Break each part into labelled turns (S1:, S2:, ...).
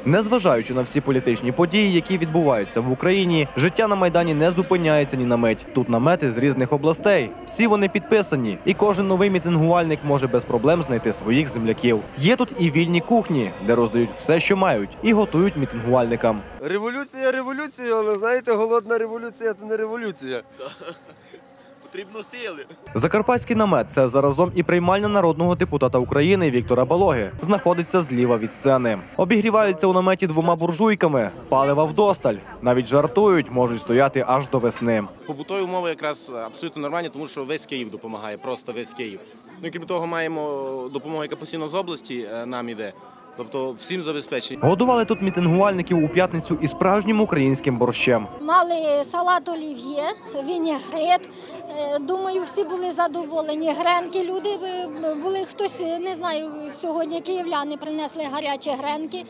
S1: Незважаючи на всі політичні події, які відбуваються в Україні, життя на Майдані не зупиняється ні на мить. Тут намети з різних областей. Всі вони підписані, і кожен новий мітингувальник може без проблем знайти своїх земляків. Є тут і вільні кухні, де роздають все, що мають, і готують мітингувальникам.
S2: Революція революцією, але знаєте, голодна революція – то не революція.
S3: Потрібно сили.
S1: Закарпатський намет – це заразом і приймальня народного депутата України Віктора Балоги. Знаходиться зліва від сцени. Обігріваються у наметі 2 буржуйками, палива вдосталь. Навіть жартують, можуть стояти аж до весни.
S4: Побутові умови якраз абсолютно нормальні, тому що весь Київ допомагає, просто весь Київ. Ну і крім того, маємо допомогу, яка постійно з області нам іде. Тобто всім забезпечені.
S1: Годували тут мітингувальників у п'ятницю і справжнім українським борщем.
S5: Мали салат олів'є, вінігрет. Думаю, всі були задоволені. Гренки люди були, хтось, не знаю, сьогодні київляни принесли гарячі гренки.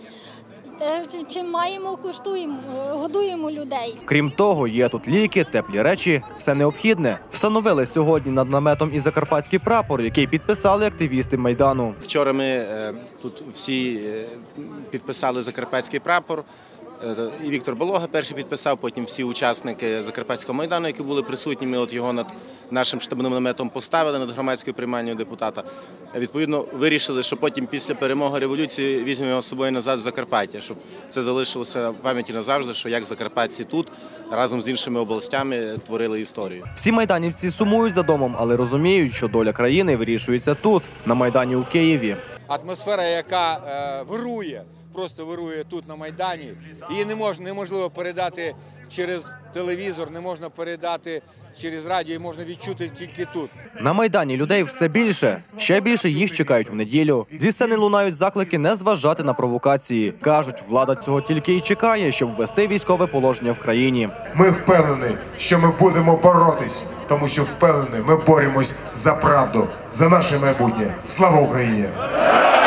S5: Чим маємо, куштуємо, годуємо людей.
S1: Крім того, є тут ліки, теплі речі, все необхідне. Встановили сьогодні над наметом і закарпатський прапор, який підписали активісти Майдану.
S4: Вчора ми тут всі підписали закарпатський прапор. І Віктор Балога перший підписав, потім всі учасники Закарпатського Майдану, які були присутні, ми от його над нашим штабним наметом поставили, над громадською приймальною депутата. Відповідно, вирішили, що потім після перемоги революції візьмемо його з собою назад в Закарпаття, щоб це залишилося в пам'яті назавжди, що як закарпатці тут разом з іншими областями творили історію.
S1: Всі майданівці сумують за домом, але розуміють, що доля країни вирішується тут, на Майдані у Києві.
S6: Атмосфера, яка вирує, просто вирує тут на Майдані, її неможливо передати через телевізор, не можна передати через радіо, її можна відчути тільки тут.
S1: На Майдані людей все більше. Ще більше їх чекають в неділю. Зі сцени лунають заклики не зважати на провокації. Кажуть, влада цього тільки і чекає, щоб ввести військове положення в країні.
S7: Ми впевнені, що ми будемо боротись, тому що впевнені, ми боремось за правду, за наше майбутнє. Слава Україні!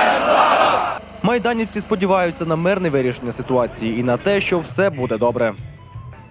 S1: Майданівці сподіваються на мирне вирішення ситуації і на те, що все буде добре.